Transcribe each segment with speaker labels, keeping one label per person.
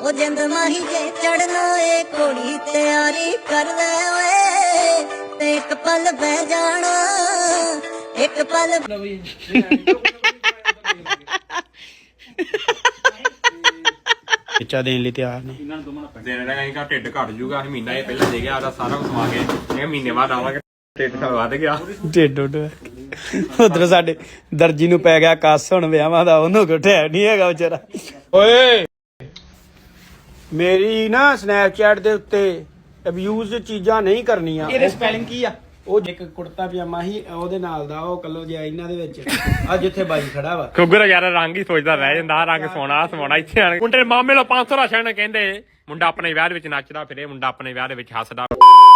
Speaker 1: ओ जिंद माही जे चढ़ना ए घोड़ी तैयारी कर ले ओए ते एक पल बह जाना एक पल
Speaker 2: ਬੱਚਾ ਦੇਣ ਲਈ ਤਿਆਰ ਨੇ।
Speaker 3: ਦੇਣ ਦਾ ਕਹੀਂ ਢਿੱਡ ਘਟ ਜੂਗਾ। ਅਸੀਂ ਮਹੀਨਾ ਇਹ ਪਹਿਲਾਂ ਦੇ ਗਿਆ ਆਦਾ ਸਾਰਾ ਕੁਝ ਸਮਾ ਕੇ ਇਹ ਮਹੀਨੇ ਬਾਅਦ ਆਵਾਂਗੇ। ਢਿੱਡ ਤਾਂ ਵੱਧ ਗਿਆ।
Speaker 2: ਢਿੱਡ ਉੱਡ ਉਧਰ ਸਾਡੇ ਦਰਜੀ ਨੂੰ ਪੈ ਗਿਆ ਕੱਸ ਹੁਣ ਵਿਆਹਾਂ ਦਾ, ਉਹਨੂੰ ਘਟਿਆ ਨਹੀਂ ਹੈਗਾ ਵਿਚਾਰਾ। ਓਏ ਮੇਰੀ ਨਾ ਸਨੈਪਚੈਟ ਦੇ ਉੱਤੇ ਅਬਿਊਜ਼ ਚੀਜ਼ਾਂ ਨਹੀਂ ਕਰਨੀਆਂ।
Speaker 4: ਇਹਦੇ ਸਪੈਲਿੰਗ ਕੀ ਆ?
Speaker 2: ਉਹ ਇੱਕ ਕੁੜਤਾ ਪਜਾਮਾ ਸੀ ਉਹਦੇ ਨਾਲ ਦਾ, ਉਹ ਕੱਲੋ ਜਿਹਾ ਇਹਨਾਂ ਦੇ ਵਿੱਚ ਆ ਜਿੱਥੇ ਬਾਈ ਖੜਾ ਵਾ।
Speaker 3: ਕੁੱਗਰ ਯਾਰ ਰੰਗ ਹੀ ਸੋਚਦਾ ਰਹਿ ਜਾਂਦਾ। ਰੰਗ ਸੋਹਣਾ ਇੱਥੇ ਆਣ ਮੁੰਡੇ ਦੇ ਮਾਮੇ ਲੋ 500 ਰਾਸ਼ਨ ਕਹਿੰਦੇ ਮੁੰਡਾ ਆਪਣੇ ਵਿਆਹ ਦੇ ਵਿੱਚ ਨੱਚਦਾ ਫਿਰੇ, ਮੁੰਡਾ ਆਪਣੇ ਵਿਆਹ ਦੇ ਵਿੱਚ ਹੱਸਦਾ।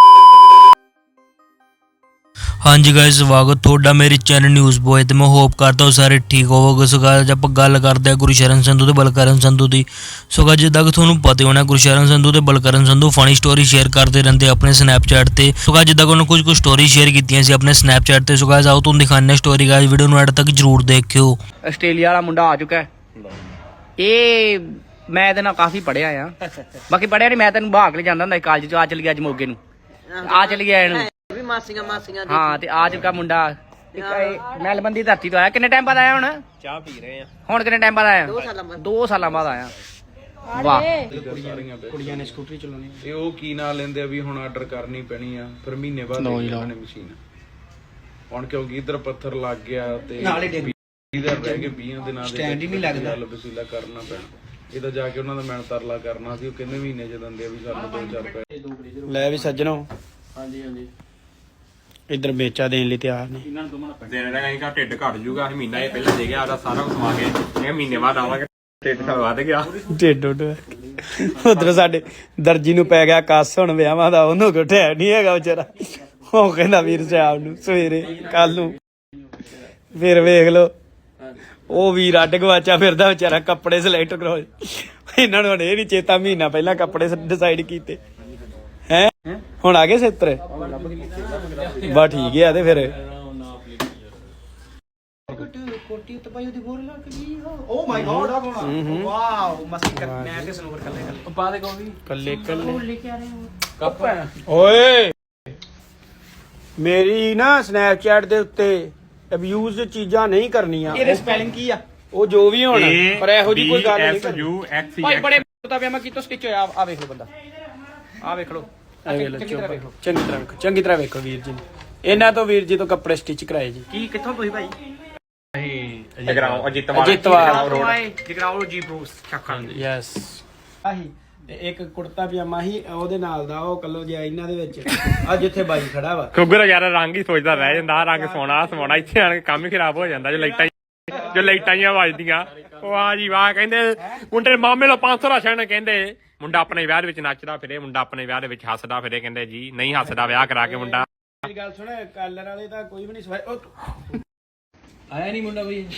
Speaker 5: ਹਾਂਜੀ ਗਾਇਸ, ਸਵਾਗਤ ਤੁਹਾਡਾ ਮੇਰੇ ਚੈਨਲ ਨਿਊਜ਼ ਬੋਏ ਤੇ ਮੈਂ ਹੋਪ ਕਰਦਾ ਹਾਂ ਸਾਰੇ ਠੀਕ ਹੋਵੋਗੇ। ਸੋ ਗਾਇਸ ਆਪਾਂ ਗੱਲ ਕਰਦੇ ਹਾਂ ਗੁਰਸ਼ਰਨ ਸੰਧੂ ਤੇ ਬਲਕਰਨ ਸੰਧੂ ਦੀ। ਸੋ ਗਾਇਸ ਜਿੱਦਾਂ ਕਿ ਤੁਹਾਨੂੰ ਪਤਾ ਹੋਣਾ ਗੁਰਸ਼ਰਨ ਸੰਧੂ ਤੇ Balkaran Sandhu funny story share ਕਰਦੇ ਰਹਿੰਦੇ ਆਪਣੇ ਸਨੈਪਚੈਟ ਤੇ। ਸੋ ਗਾਇਸ ਜਿੱਦਾਂ ਕਿ ਉਹਨਾਂ ਕੁਝ ਸਟੋਰੀ ਸ਼ੇਅਰ ਕੀਤੀਆਂ ਸੀ ਆਪਣੇ ਸਨੈਪਚੈਟ ਤੇ। ਸੋ ਗਾਇਸ ਆਓ ਤੁਹਾਨੂੰ ਦਿਖਾਉਂਦੇ ਹਾਂ ਸਟੋਰੀ। ਗਾਇਸ ਵੀਡੀਓ ਨੂੰ ਐਡ ਤੱਕ ਜਰੂਰ ਦੇਖਿਓ।
Speaker 4: ਆਸਟ੍ਰੇਲੀਆ ਵਾਲਾ ਮੁੰਡਾ ਆ ਚੁੱਕਾ ਹੈ। ਇਹ ਮੈਂ ਇਹਦੇ ਨਾਲ ਕਾਫੀ ਪੜਿਆ ਆ। ਬਾਕੀ ਪੜਿਆ ਨਹੀਂ, ਮੈਂ ਤੈਨੂੰ ਭਾਗ ਲੈ ਜਾਂਦਾ ਹੁੰਦਾ ਕਾਲਜ ਚ। ਆ ਚਲੀ ਗਿਆ ਅੱਜ ਮੋਗੇ ਨੂੰ, ਆ ਚਲੀ ਗਿਆ ਇਹਨੂੰ
Speaker 1: भी मासियां
Speaker 4: ਹਾਂ। ਤੇ ਆ ਚੁੱਕਾ ਮੁੰਡਾ ਮੈਲਬਨ ਦੀ ਧਰਤੀ ਤੋਂ ਆਇਆ। ਕਿੰਨੇ ਟਾਈਮ ਬਾਅਦ ਆਇਆ ਹੁਣ?
Speaker 3: ਚਾਹ ਪੀ ਰਹੇ ਆ
Speaker 4: ਹੁਣ ਕਿੰਨੇ ਟਾਈਮ ਬਾਅਦ ਆਇਆ? 2 ਸਾਲਾਂ ਬਾਅਦ ਆਇਆ। ਵਾਹ,
Speaker 2: ਕੁੜੀਆਂ ਨੇ ਸਕੂਟਰੀ ਚਲਾਉਣੀ।
Speaker 6: ਇਹ ਉਹ ਕੀ ਨਾਂ ਲੈਂਦੇ ਆ ਵੀ ਹੁਣ ਆਰਡਰ ਕਰਨੀ ਪੈਣੀ ਆ, ਫਿਰ ਮਹੀਨੇ ਬਾਅਦ ਇਹਨਾਂ ਨੇ ਮਸ਼ੀਨ। ਹੁਣ ਕਿਉਂਕਿ ਇਧਰ ਪੱਥਰ ਲੱਗ ਗਿਆ ਤੇ
Speaker 4: ਨਾਲੇ ਡਿੱਗ
Speaker 6: ਇਧਰ ਰਹਿ ਗਏ 20 ਦਿਨਾਂ ਦੇ
Speaker 4: ਸਟੈਂਡ ਹੀ ਨਹੀਂ ਲੱਗਦਾ।
Speaker 6: ਵਸੀਲਾ ਕਰਨਾ ਪੈਣਾ। ਇਹਦਾ ਜਾ ਕੇ ਉਹਨਾਂ ਦਾ ਮਿਹਨਤ ਤਰਲਾ ਕਰਨਾ ਸੀ। ਉਹ ਕਹਿੰਦੇ ਮਹੀਨੇ ਚ ਦਿੰਦੇ ਆ ਵੀ ਸਾਨੂੰ 2-4 ਰੁਪਏ।
Speaker 2: ਲੈ ਵੀ ਸੱਜਣੋ, ਹਾਂਜੀ ਇੱਧਰ ਵੇਚਾ ਦੇਣ ਲਈ ਤਿਆਰ ਨੇ।
Speaker 3: ਦੇਣ ਦਾ ਕਹੀਂ ਢਿੱਡ ਘਟ ਜੂਗਾ। ਅਸੀਂ ਮਹੀਨਾ ਇਹ ਪਹਿਲਾਂ ਦੇ ਗਿਆ ਆਦਾ ਸਾਰਾ ਕੁਝ ਸਮਾ ਕੇ ਇਹ ਮਹੀਨੇ ਬਾਅਦ ਆਵਾਂਗੇ। ਢਿੱਡ ਤਾਂ ਵੱਧ ਗਿਆ।
Speaker 2: ਢਿੱਡ ਉੱਡ ਉਧਰ ਸਾਡੇ ਦਰਜੀ ਨੂੰ ਪੈ ਗਿਆ ਕੱਸ ਹੁਣ ਵਿਆਹਾਂ ਦਾ, ਉਹਨੂੰ ਘਟਿਆ ਨਹੀਂ ਹੈਗਾ ਵਿਚਾਰਾ। ਉਹ ਕਹਿੰਦਾ ਵੀਰ ਸਾਹਿਬ ਨੂੰ ਸਵੇਰੇ ਕੱਲ ਨੂੰ ਫਿਰ ਵੇਖ ਲੋ। ਉਹ ਵੀਰ ਅੱਡ ਗਵਾਚਾ ਫਿਰਦਾ ਵਿਚਾਰਾ, ਕੱਪੜੇ ਸਿਲੈਕਟ ਕਰੋ। ਇਹਨਾਂ ਨੂੰ ਹੁਣ ਇਹ ਨੀ ਚੇਤਾ ਮਹੀਨਾ ਪਹਿਲਾਂ ਕੱਪੜੇ ਡਿਸਾਈਡ ਕੀਤੇ ਹੈ। ਹੁਣ ਆ ਗਏ ਸੇਤਰ ਬਾ ਠੀਕ ਹੈ ਤੇ ਫਿਰ
Speaker 4: ਕੋਟੀ ਉੱਤੇ ਪਾਈ ਉਹਦੀ ਬੋਰ ਲੱਗ ਗਈ। ਓ ਮਾਈ ਗॉड, ਵਾਓ ਮਸਤੀ ਕਰ। ਮੈਂ ਤੇ ਸਨੋਵਰ ਕੱਲੇ ਪਾ ਦੇ ਕੋਈ
Speaker 2: ਕੱਲੇ ਲੈ ਕੇ ਆ ਰਹੇ ਹੋ ਕੱਪ। ਓਏ ਮੇਰੀ ਨਾ ਸਨੈਪਚੈਟ ਦੇ ਉੱਤੇ ਅਬਿਊਜ਼ ਚੀਜ਼ਾਂ ਨਹੀਂ ਕਰਨੀਆਂ।
Speaker 4: ਇਹਦੇ ਸਪੈਲਿੰਗ ਕੀ ਆ?
Speaker 2: ਉਹ ਜੋ ਵੀ ਹੋਣ, ਪਰ ਇਹੋ ਜੀ ਕੋਈ ਗੱਲ ਨਹੀਂ ਕਰਨੀ।
Speaker 4: ਭਾਈ ਬੜੇ ਕੁੱਤਾ ਪਿਆਮਾ ਕੀਤਾ ਸਟਿਚ ਹੋਇਆ। ਆ ਵੇਖ ਲਓ ਬੰਦਾ, ਆ ਵੇਖ ਲਓ
Speaker 2: ਚੰਗੀ ਤਰ੍ਹਾਂ ਵੇਖੋ ਵੀਰ ਜੀ। ਇਹਨਾਂ ਤੋਂ ਵੀਰ ਜੀ ਤੋਂ ਕੱਪੜੇ ਸਟਿਚ ਕਰਾਏ ਜੀ।
Speaker 4: ਕੀ ਕਿੱਥੋਂ ਤੁਸੀਂ ਭਾਈ?
Speaker 3: ਜਗਰਾਉਂ
Speaker 4: ਜਗਰਾਉਂ ਜੀ ਬਰੂਸ ਚੱਕਾਂ।
Speaker 2: ਯੈਸ ਆਹੀ ਤੇ ਇੱਕ ਕੁੜਤਾ ਪਜਾਮਾ ਸੀ ਉਹਦੇ ਨਾਲ ਦਾ, ਉਹ ਕੱਲੋ ਜਿਹਾ ਇਹਨਾਂ ਦੇ ਵਿੱਚ ਆ ਜਿੱਥੇ ਬਾਈ ਖੜਾ ਵਾ।
Speaker 3: ਕੁੱਗਰ ਯਾਰ ਰੰਗ ਹੀ ਸੋਚਦਾ ਰਹਿ ਜਾਂਦਾ। ਰੰਗ ਸੋਹਣਾ ਇੱਥੇ ਆਣ ਕੇ ਕੰਮ ਹੀ ਖਰਾਬ ਹੋ ਜਾਂਦਾ। ਜੋ ਲਾਈਟਾਂ ਹੀ ਵੱਜਦੀਆਂ। ਵਾਹ ਜੀ ਵਾਹ। ਕਹਿੰਦੇ ਮੁੰਡੇ ਦੇ ਮਾਮੇ ਲੋ 500 ਰਾਸ਼ਨ ਕਹਿੰਦੇ ਮੁੰਡਾ ਆਪਣੇ ਵਿਆਹ ਦੇ ਵਿੱਚ ਨੱਚਦਾ ਫਿਰੇ, ਮੁੰਡਾ ਆਪਣੇ ਵਿਆਹ ਦੇ ਵਿੱਚ ਹੱਸਦਾ ਫਿਰੇ। ਕਹਿੰਦੇ ਜੀ ਨਹੀਂ ਹੱਸਦਾ ਵਿਆਹ ਕਰਾ ਕੇ ਮੁੰਡਾ।
Speaker 2: ਮੇਰੀ ਗੱਲ ਸੁਣ, ਕਾਲਰ ਵਾਲੇ ਤਾਂ ਕੋਈ ਵੀ ਨਹੀਂ ਸਵਾਈ। ਉਹ
Speaker 4: ਆਇਆ ਨਹੀਂ ਮੁੰਡਾ ਬਈ।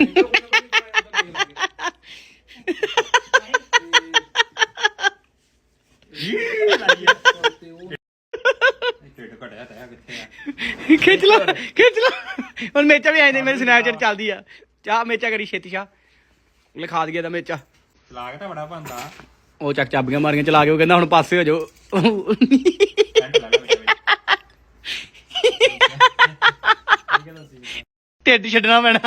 Speaker 4: ਖਿੱਚ ਲਾ ਹੁਣ ਮੇਚਾ ਵੀ ਆਏ ਨੇ। ਮੇਰੇ ਸਨੈਪਚੈਟ ਚੱਲਦੀ ਆ। ਚਾਹ ਮੇਚਾ ਕਰੀ ਛੇਤੀ ਸ਼ਾ ਲਿਖਾ ਦਈਏ ਦਾ ਮੇਚਾ।
Speaker 3: ਚਲਾਕ ਤਾਂ ਬੜਾ ਬੰਦਾ।
Speaker 4: ਉਹ ਚੱਕ ਚਾਬੀਆਂ ਮਾਰੀਆਂ ਚਲਾ ਕੇ। ਉਹ ਕਹਿੰਦਾ ਹੁਣ ਪਾਸੇ ਹੋ ਜਾਓ। ਢਿੱਡ ਛੱਡਣਾ ਪੈਣਾ।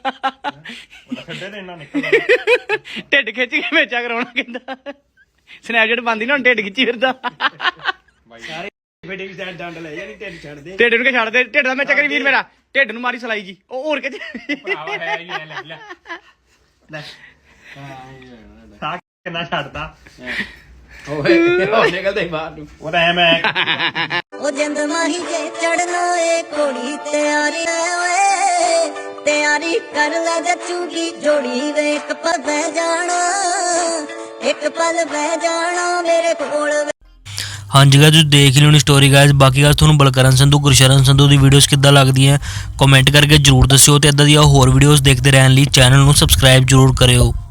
Speaker 4: ਢਿੱਡ ਖਿੱਚ ਕੇ ਮੇਚਾ ਕਰਾਉਣਾ ਕਹਿੰਦਾ। ਸਨੈਪਚੈਟ ਬੰਦੀ ਨਾ ਹੁਣ ਢਿੱਡ ਖਿੱਚੀ ਫਿਰਦਾ।
Speaker 2: ਸਾਰੇ ਫੇਡੇ ਵੀ ਸਾਈਡ ਡੰਡ ਲੈ ਜਾਨੀ, ਢਿੱਡ ਛੱਡ ਦੇ।
Speaker 4: ਢਿੱਡ ਨੂੰ ਕਿ ਛੱਡ ਦੇ। ਢਿੱਡ ਦਾ ਮੇਚਾ ਕਰੀ ਵੀਰ ਮੇਰਾ। ਢਿੱਡ ਨੂੰ ਮਾਰੀ ਸਲਾਈ ਜੀ। ਉਹ ਹੋਰ ਕਿਤੇ
Speaker 3: ਸਾਹ ਕਿੰਨਾ ਛੱਡਦਾ।
Speaker 4: ਓਏ ਨਿਕਲਦੇ ਬਾਹਰ ਨੂੰ।
Speaker 3: ਉਹ ਤਾਂ ਐ ਮੈਂ
Speaker 1: ओ जिंद माही जे चढ़ना ए घोड़ी तैयारी ओए तैयारी कर ले जचूगी जोड़ी वे एक पल बह जाना एक पल बह जाना मेरे कोल।
Speaker 5: ਹਾਂਜੀ ਗਾਇਸ ਤੁਸੀਂ ਦੇਖ ਲਿਓ ਨੀ ਸਟੋਰੀ ਗਾਇਸ। ਬਾਕੀ ਗਾਇਸ ਤੁਹਾਨੂੰ ਬਲਕਰਨ ਸੰਧੂ ਗੁਰਸ਼ਰਨ ਸੰਧੂ ਦੀ ਵੀਡੀਓਜ਼ ਕਿੱਦਾਂ ਲੱਗਦੀਆਂ ਕਮੈਂਟ ਕਰਕੇ ਜਰੂਰ ਦੱਸਿਓ। ਤੇ ਇਦਾਂ ਦੀਆਂ ਹੋਰ ਵੀਡੀਓਜ਼ ਦੇਖਦੇ ਰਹਿਣ ਲਈ ਚੈਨਲ ਨੂੰ ਸਬਸਕ੍ਰਾਈਬ ਜਰੂਰ ਕਰਿਓ।